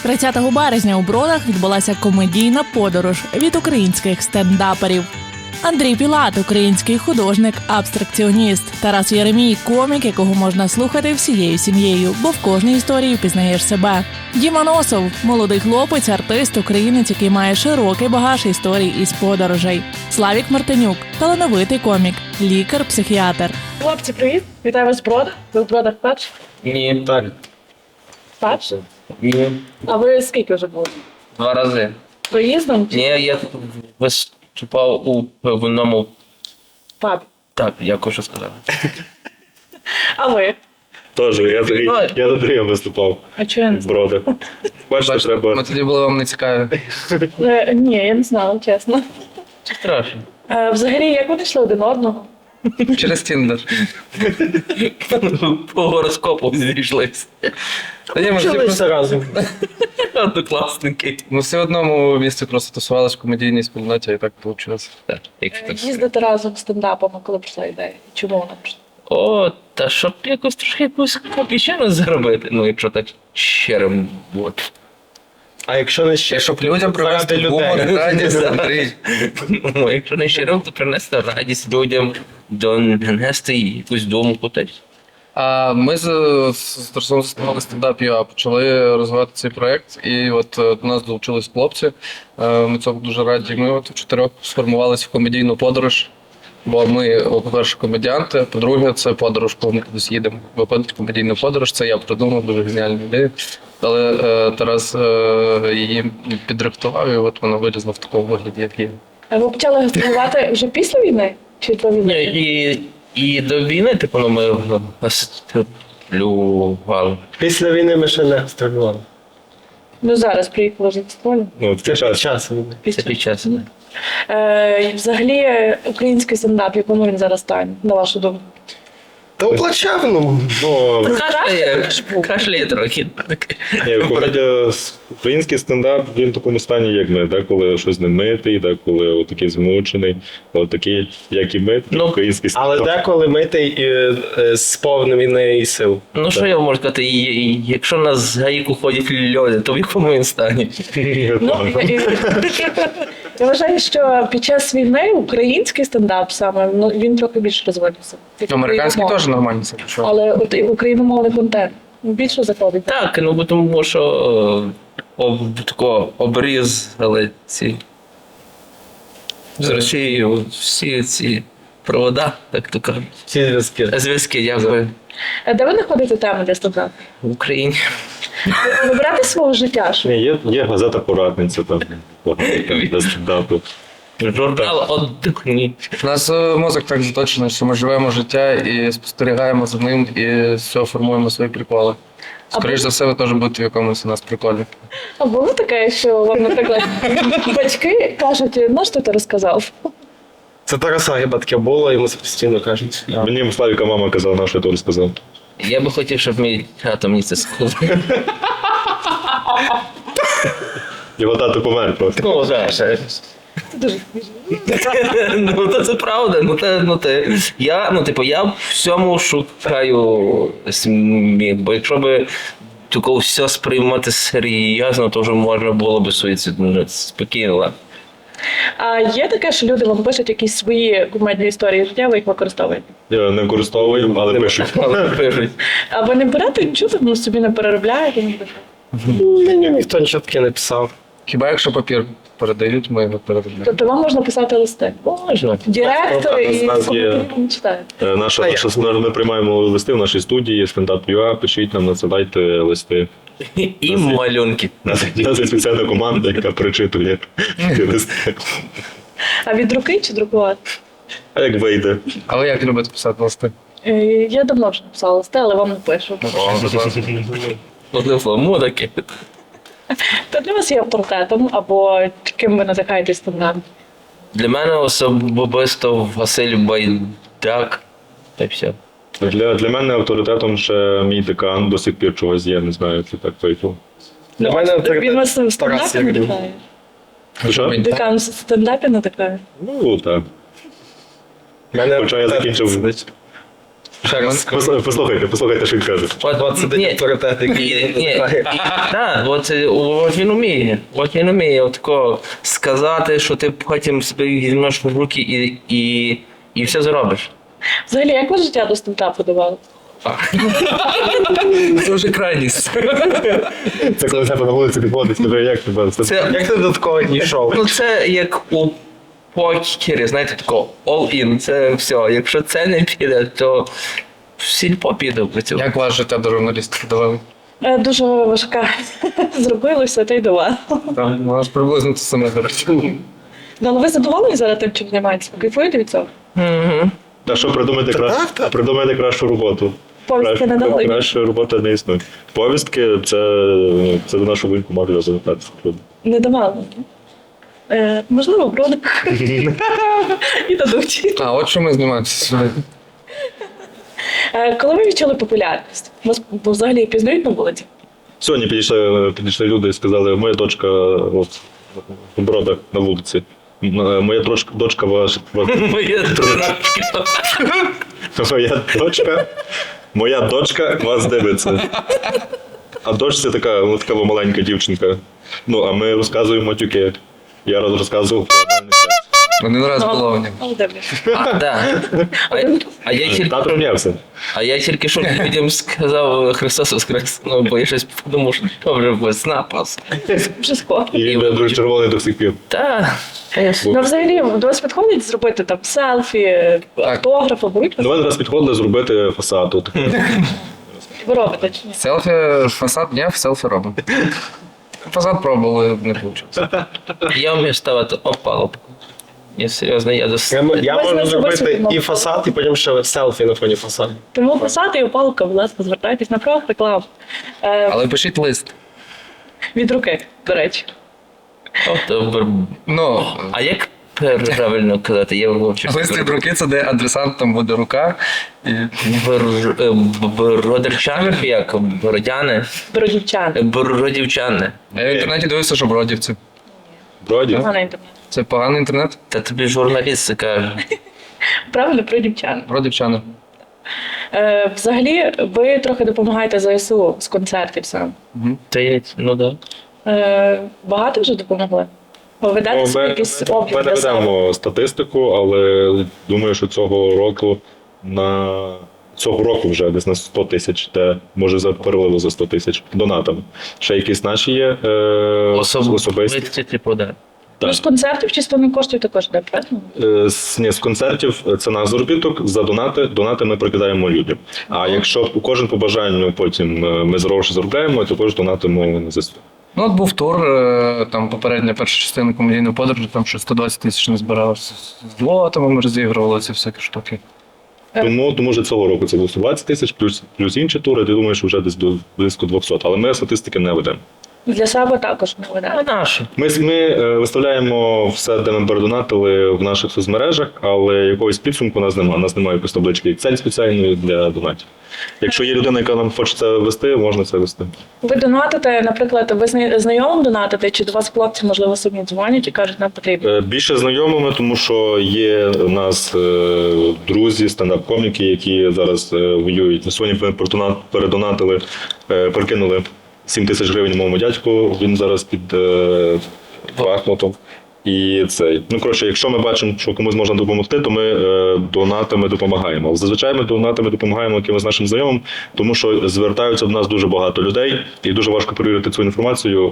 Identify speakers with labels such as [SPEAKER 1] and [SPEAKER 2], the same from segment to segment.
[SPEAKER 1] 30 березня у Бродах відбулася комедійна подорож від українських стендаперів. Андрій Пілат – український художник, абстракціоніст. Тарас Єремій – комік, якого можна слухати всією сім'єю, бо в кожній історії впізнаєш себе. Діма Носов – молодий хлопець, артист, українець, який має широкий багаж історій із подорожей. Славік Мартинюк – талановитий комік, лікар-психіатр.
[SPEAKER 2] Хлопці, привіт! Вітаю вас в Бродах. Ви в Бродах перші?
[SPEAKER 3] Ні, так.
[SPEAKER 2] Перші?
[SPEAKER 3] Ні.
[SPEAKER 2] А ви скільки вже були?
[SPEAKER 3] 2 рази.
[SPEAKER 2] Проїздом?
[SPEAKER 3] Ні, я виступав у певному...
[SPEAKER 2] Пабі.
[SPEAKER 3] Так, я хочу сказати.
[SPEAKER 2] А ви?
[SPEAKER 4] Теж, я до Андрія виступав
[SPEAKER 2] А чого я не
[SPEAKER 4] в
[SPEAKER 2] знала?
[SPEAKER 4] Бродах. Бачите, треба...
[SPEAKER 5] Ми тоді були вам не цікаві.
[SPEAKER 2] Ні, я не знала, чесно.
[SPEAKER 3] Чи страшно?
[SPEAKER 2] Взагалі, як вони йшли один одного?
[SPEAKER 5] Через Тіндер.
[SPEAKER 3] По гороскопу зійшлися.
[SPEAKER 5] Та ні, ми
[SPEAKER 4] разом.
[SPEAKER 3] Однокласники.
[SPEAKER 5] ми всі в одному місці просто тусувалися в комедійній спільноті, і так вийшло.
[SPEAKER 3] Так, якщо так.
[SPEAKER 2] Їздити разом з стендапами, коли прийшла ідея? Чому вона прийшла?
[SPEAKER 3] О, та щоб якось трошки якусь копійчину заробити, ну якщо так щирим бути.
[SPEAKER 4] А якщо не ще,
[SPEAKER 5] Щоб людям привести
[SPEAKER 4] людей.
[SPEAKER 5] гумор, радість, Андрій.
[SPEAKER 3] Ну, якщо не щирим, то принести радість людям, донести якусь думку.
[SPEAKER 5] А ми з Тарасом заснували стендап.ua, почали розвивати цей проєкт, і от до нас долучились хлопці. Ми цьому дуже раді. Ми от в 4 сформувалися в комедійну подорож. Бо ми, по-перше, комедіанти, по-друге, це подорож, коли ми кудись їдемо. Виходить комедійну подорож, це я придумав, дуже геніальна ідея. Але Тарас її підрихтував, і от вона вилізла в такому вигляді, як є.
[SPEAKER 2] А ви почали гастролювати вже після війни? Чи до війни?
[SPEAKER 3] І до війни, типу, ну, ми гастролювали.
[SPEAKER 4] Після війни ми ще не гастролювали.
[SPEAKER 2] Ну зараз приїхали вже гастролі.
[SPEAKER 4] Ну, це час війни.
[SPEAKER 3] Це під час.
[SPEAKER 2] Взагалі, український стендап, якому він зараз стане, на вашу думку?
[SPEAKER 4] Та у плачевному. Ну,
[SPEAKER 3] Кашляє трохи.
[SPEAKER 6] Український стендап, він в такому стані, як ми, так, коли щось не митий, так, коли отакий змучений, отакий, як і ми,
[SPEAKER 3] Ну,
[SPEAKER 6] український стендап.
[SPEAKER 7] Але деколи митий і з повним інеї сил.
[SPEAKER 3] Ну що я можу сказати, якщо на гаїку ходять люди, то в якому він стані?
[SPEAKER 2] Ну, я вважаю, що під час війни український стендап саме, ну, він трохи більше розвивався.
[SPEAKER 5] Американський теж нормально це пішов.
[SPEAKER 2] Але от і україномовний контент більше заходить.
[SPEAKER 3] Так, ну бо тому що тако обрізали ці з Росією всі ці провода, так то кажуть.
[SPEAKER 7] Всі зв'язки.
[SPEAKER 3] Зв'язки, дякую.
[SPEAKER 2] Де ви знаходите теми для стендапу?
[SPEAKER 3] В Україні.
[SPEAKER 2] Вибирати свого життя, що?
[SPEAKER 6] Ні, є газета «Порадниця», там, для стендапу.
[SPEAKER 3] Журнал «Отдихні».
[SPEAKER 5] У нас мозок так заточений, що ми живемо життя і спостерігаємо за ним, і з цього формуємо свої приколи. Скоріше за все, ви теж будете в якомусь у нас приколі.
[SPEAKER 2] А було таке, що вам, наприклад, батьки кажуть, ну що ти розказав?
[SPEAKER 7] Це Тараса хіба таке було, йому це постійно кажуть.
[SPEAKER 6] Мені Славіка мама казала, на що я то розказав.
[SPEAKER 3] Я би хотів, щоб мій тато мені це сказав.
[SPEAKER 6] Його тато помер просто.
[SPEAKER 3] Ну, знаєш.
[SPEAKER 2] Це дуже
[SPEAKER 3] Ну, то це правда. Я в всьому шукаю сміх, бо якщо би тако все сприймати серйозно, то вже можна було би суїцидно спокійно. Ладно.
[SPEAKER 2] А є таке, що люди вам пишуть якісь свої кумедні історії життя, ви їх використовуєте?
[SPEAKER 6] Я не використовую, але пишуть.
[SPEAKER 3] Але пишуть.
[SPEAKER 2] А ви не берете нічого, ну, собі не переробляєте?
[SPEAKER 7] Мені ніхто нічого таке не писав.
[SPEAKER 5] Хіба якщо папір передають, ми його переробляємо.
[SPEAKER 2] Тобто вам можна писати листи?
[SPEAKER 3] Можна.
[SPEAKER 2] Директор
[SPEAKER 6] У
[SPEAKER 2] і
[SPEAKER 6] нас є-
[SPEAKER 2] коментарі не читають.
[SPEAKER 6] Ми приймаємо листи в нашій студії, стендап.ua, пишіть нам, надсилайте листи.
[SPEAKER 3] І малюнки.
[SPEAKER 6] У нас є спеціальна команда, яка перечитує ті листи.
[SPEAKER 2] А від руки чи друкувати?
[SPEAKER 6] А як вийде?
[SPEAKER 5] А ви як любите писати листи?
[SPEAKER 2] Я давно вже написала листи, але вам не пишу.
[SPEAKER 3] Одним словом, мудаки.
[SPEAKER 2] Хто для вас є авторитетом або ким ви надихаєтесь стендапі?
[SPEAKER 3] Для мене особисто Василь Байдак. Та й все.
[SPEAKER 6] Для мене авторитетом ще мій декан до сих пір чогось є, не знаю, це так вийшло.
[SPEAKER 7] Для мене
[SPEAKER 2] Він вас в
[SPEAKER 7] Тарас
[SPEAKER 2] стендапі
[SPEAKER 7] Ягрів.
[SPEAKER 2] надихає?
[SPEAKER 6] Що?
[SPEAKER 2] Декан в стендапі надихає?
[SPEAKER 6] Ну, так.
[SPEAKER 7] Мене
[SPEAKER 6] Хоча я закінчив
[SPEAKER 5] Ще раз.
[SPEAKER 6] Послухайте, що він каже.
[SPEAKER 3] От
[SPEAKER 4] сидить авторитет, який знає.
[SPEAKER 3] Так, от він вміє. От він вміє отако сказати, що ти потім себе візьмеш в руки і все зробиш.
[SPEAKER 2] Взагалі, як ви життя до стендапу давали?
[SPEAKER 5] Це вже крайність.
[SPEAKER 6] Це коли тебе на вулиці підходить, скажи, як тебе?
[SPEAKER 3] Це,
[SPEAKER 4] Як ти до такого дійшов?
[SPEAKER 3] ну, це як у покері, знаєте, тако all-in, це все. Якщо це не піде, то в сільпо піде в цю.
[SPEAKER 5] Як ваше життя до журналістики довели?
[SPEAKER 2] Дуже важка. Зробилося, та й давала.
[SPEAKER 5] Так, у нас приблизно те саме зараз.
[SPEAKER 2] Ну, але ви задоволені зараз тим, чим займаєтеся? Кайфуєте від цього?
[SPEAKER 3] Угу.
[SPEAKER 6] Та що придумайте кращу роботу.
[SPEAKER 2] Повістки не дали?
[SPEAKER 6] Краща робота не існує. Повістки це до нашого винку може запитатися.
[SPEAKER 2] Не давали. Можливо, бродик. І дадуть.
[SPEAKER 5] А, от що ми знімаємося сьогодні.
[SPEAKER 2] Коли ви відчули популярність? Вас взагалі пізнають на вулиці?
[SPEAKER 6] Сьогодні підійшли люди і сказали, моя дочка от, в Бродах на вулиці. Моя дочка
[SPEAKER 3] Моя дурачка.
[SPEAKER 6] Моя дочка вас дивиться. А дочці така маленька дівчинка. Ну, а ми розказуємо матюки. Я розказував про нормальний секс.
[SPEAKER 5] Один раз було мені.
[SPEAKER 2] Але дивлюсь.
[SPEAKER 3] А я тільки що людям сказав Христос Воскрес, ну, бо я щось подумав, що вже весна пас.
[SPEAKER 2] Вже скоро.
[SPEAKER 6] І він дуже червоний до сих пір.
[SPEAKER 3] Та,
[SPEAKER 2] Ну, взагалі, до вас підходять зробити там селфі, автографи, беруть?
[SPEAKER 6] До мене раз підходили зробити фасад. От.
[SPEAKER 2] Ви робите чи ні?
[SPEAKER 5] Селфі, фасад, ні, селфі робимо. Фасад пробували, не вийшло.
[SPEAKER 3] я вмію ставити опалубку. Я серйозно, я
[SPEAKER 4] Я
[SPEAKER 2] Ви
[SPEAKER 4] можу
[SPEAKER 2] знаєте,
[SPEAKER 4] зробити
[SPEAKER 2] ви
[SPEAKER 4] і фасад, і потім ще селфі на фоні фасаду.
[SPEAKER 2] Тому посади і опалка, будь ласка, звертайтесь на правах реклам.
[SPEAKER 5] Але пишіть лист.
[SPEAKER 2] Від руки, до речі.
[SPEAKER 5] Ну,
[SPEAKER 3] А як правильно казати? Я вивчив.
[SPEAKER 5] лист від руки це де адресант, там буде рука. І...
[SPEAKER 3] Бродівчани, як? Бородяни?
[SPEAKER 2] Бродівчани.
[SPEAKER 3] Бродівчани.
[SPEAKER 5] Я в інтернеті дивився, що бродівці.
[SPEAKER 6] Броді.
[SPEAKER 2] Поганий інтернет.
[SPEAKER 5] Це поганий інтернет?
[SPEAKER 3] Та тобі журналіст це каже.
[SPEAKER 2] Правильно, бродівчани.
[SPEAKER 5] Бродівчани.
[SPEAKER 2] Взагалі, ви трохи допомагаєте ЗСУ з концертів сам.
[SPEAKER 3] Та я, ну да.
[SPEAKER 2] Багато вже допомогли? Ви ведете собі якийсь
[SPEAKER 6] Ми
[SPEAKER 2] облік
[SPEAKER 6] не
[SPEAKER 2] для себе?
[SPEAKER 6] ведемо статистику, але думаю, що цього року вже десь на 100 тисяч, де може переливу за 100 тисяч донатами. Ще якісь наші є особисті.
[SPEAKER 3] Типу, да.
[SPEAKER 2] Ну, з концертів чисто не коштує також, де, правильно?
[SPEAKER 6] З концертів це наш заробіток, за донати ми прикидаємо людям. А якщо кожен по бажанню потім ми гроші заробляємо, то також донатимо на ЗСУ.
[SPEAKER 5] Ну, от був тур, там попередня перша частина комедійної подорожі, там ще 120 тисяч не збиралося. З лотами ми розігрували ці всякі штуки.
[SPEAKER 6] Тому що цього року це було 120 тисяч, плюс інші тури, ти думаєш, вже десь близько 200. Але ми статистики не ведемо.
[SPEAKER 2] Для себе також не
[SPEAKER 3] А
[SPEAKER 2] ведете.
[SPEAKER 3] наші?
[SPEAKER 6] Ми виставляємо все, де ми передонатили в наших соцмережах, але якогось підсумку у нас немає. У нас немає якоїсь таблички Excel спеціальної для донатів. Якщо є людина, яка нам хоче це вести, можна це вести.
[SPEAKER 2] Ви донатите, наприклад, ви знайомим донатите, чи до вас хлопці, можливо, самі дзвонять і кажуть, нам потрібно?
[SPEAKER 6] Більше знайомими, тому що є у нас друзі, стендап-коміки, які зараз воюють. Сьогодні передонатили, перекинули 7 тисяч гривень моєму дядьку, він зараз під Бахмутом. І цей. Ну, коротше, якщо ми бачимо, що комусь можна допомогти, то ми донатами допомагаємо. Зазвичай ми донатами допомагаємо якимось нашим знайомим, тому що звертаються до нас дуже багато людей, і дуже важко перевірити цю інформацію,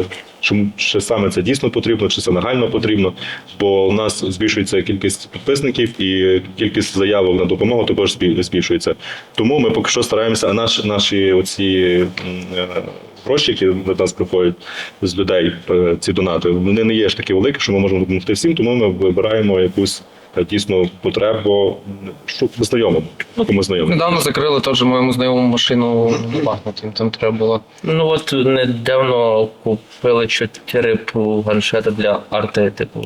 [SPEAKER 6] чи саме це дійсно потрібно, чи це нагально потрібно, бо у нас збільшується кількість підписників і кількість заявок на допомогу також збільшується. Тому ми поки що стараємося, а наші оці гроші, які до нас приходять з людей, ці донати, вони не є ж такі великі, що ми можемо допомогти всім, тому ми вибираємо якусь дійсно потребу знайомому. Комусь знайомому.
[SPEAKER 5] Недавно закрили теж моєму знайомому машину на Бахмуті, там треба було.
[SPEAKER 3] Ну от недавно купили 4 планшети для арти, типу.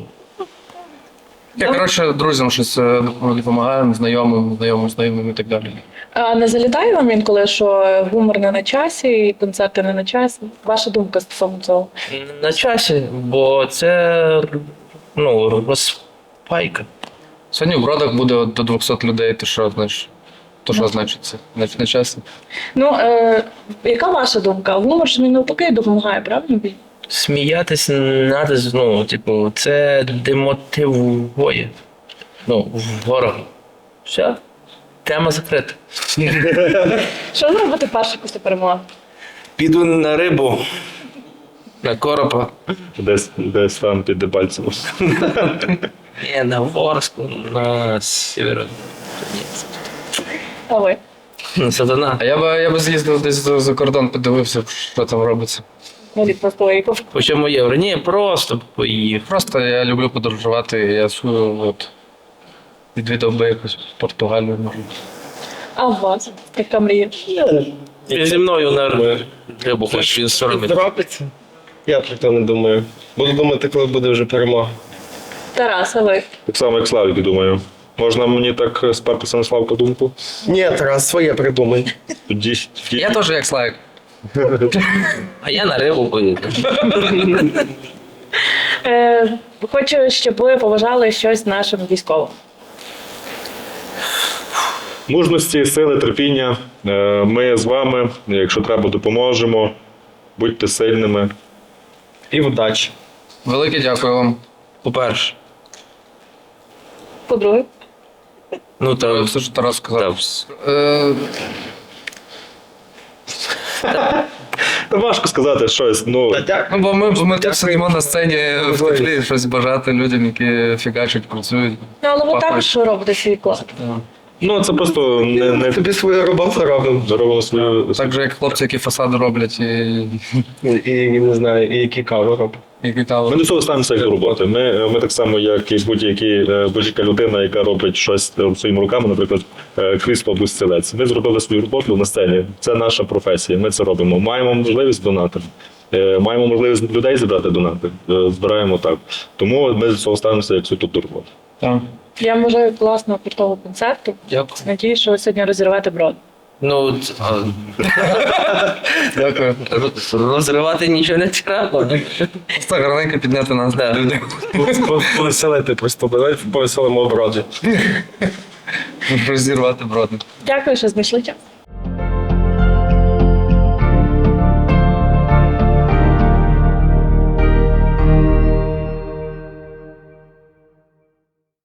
[SPEAKER 5] Я, коротше, друзям щось допомагаємо, знайомим і так далі.
[SPEAKER 2] А не залітає вам інколи, що гумор не на часі і концерти не на часі? Ваша думка стосовно цього?
[SPEAKER 3] На часі, бо це розпайка.
[SPEAKER 5] Сьогодні в Бродах буде до 200 людей, ти що, знаєш? То що значить це? Значить не чесно.
[SPEAKER 2] Ну, яка ваша думка? Гумор ж він навпаки допомагає, правильно?
[SPEAKER 3] Сміятись надо, ну, типу, це демотивує. Ну, ворога. Все. Тема закрита.
[SPEAKER 2] Що зробити перше після перемоги?
[SPEAKER 3] Піду на рибу, на коропа.
[SPEAKER 6] Десь там під Дебальцево.
[SPEAKER 3] Ні, на Ворску, на Сєвєродонецьк.
[SPEAKER 2] А ви?
[SPEAKER 3] Сатана.
[SPEAKER 5] А я би з'їздив десь за кордон, подивився, що там робиться.
[SPEAKER 2] Навіть на стойку.
[SPEAKER 3] По чому євро? Ні, просто поїхав.
[SPEAKER 5] Просто я люблю подорожувати, я от, відвідав би якусь Португалію, може.
[SPEAKER 2] А у вас? Яка мрія?
[SPEAKER 3] Зі мною на рибу хоч він соромить.
[SPEAKER 7] Зробиться? Я про це не думаю. Буду думати, коли буде вже перемога.
[SPEAKER 2] Тарас, а ви?
[SPEAKER 6] Так само, як Славік, думаю. Можна мені так спертися на Славка думку?
[SPEAKER 7] Ні, Тарас, своє придумай.
[SPEAKER 6] Тоді
[SPEAKER 5] Я теж як Славік.
[SPEAKER 3] А я на рибу поїду.
[SPEAKER 2] Хочу, щоб ви побажали щось нашим військовим.
[SPEAKER 6] мужності, сили, терпіння. Ми з вами, якщо треба, допоможемо. Будьте сильними.
[SPEAKER 7] І вдачі.
[SPEAKER 5] Велике дякую вам.
[SPEAKER 3] По-перше.
[SPEAKER 2] По-друге,
[SPEAKER 3] Ну, та
[SPEAKER 5] Все, що Тарас сказав.
[SPEAKER 6] Та важко сказати щось. Ну,
[SPEAKER 5] Ну, бо ми так сидимо на сцені в теплі, щось бажати людям, які фігачать, працюють.
[SPEAKER 2] ну але ви
[SPEAKER 5] Пахать.
[SPEAKER 2] також робите свій вклад.
[SPEAKER 6] це просто не
[SPEAKER 7] Тобі свою роботу робимо.
[SPEAKER 6] зробимо свою.
[SPEAKER 5] Так же, як хлопці, які фасади роблять і
[SPEAKER 7] І не знаю, і які кави робимо.
[SPEAKER 5] які
[SPEAKER 6] Ми
[SPEAKER 5] каву.
[SPEAKER 6] до цього ставимося як до роботи. Ми так само, як і будь-яка людина, яка робить щось своїми руками, наприклад, крісло або стілець. Ми зробили свою роботу на сцені. Це наша професія. Ми це робимо. Маємо можливість донатити. Маємо можливість людей зібрати донати. Збираємо так. Тому ми до цього ставимося як суто до роботи.
[SPEAKER 5] Так.
[SPEAKER 2] Я бажаю класного крутого концерту.
[SPEAKER 3] дякую.
[SPEAKER 2] Надіюсь, що ви сьогодні розірвете брод.
[SPEAKER 3] Ну,
[SPEAKER 5] Дякую.
[SPEAKER 3] розривати нічого не треба.
[SPEAKER 5] Просто гарненько підняти нас.
[SPEAKER 3] Да.
[SPEAKER 5] Люди.
[SPEAKER 7] Повеселити просто. Давайте повеселимо оброді.
[SPEAKER 5] Розірвати броди.
[SPEAKER 2] Дякую, що знайшли час.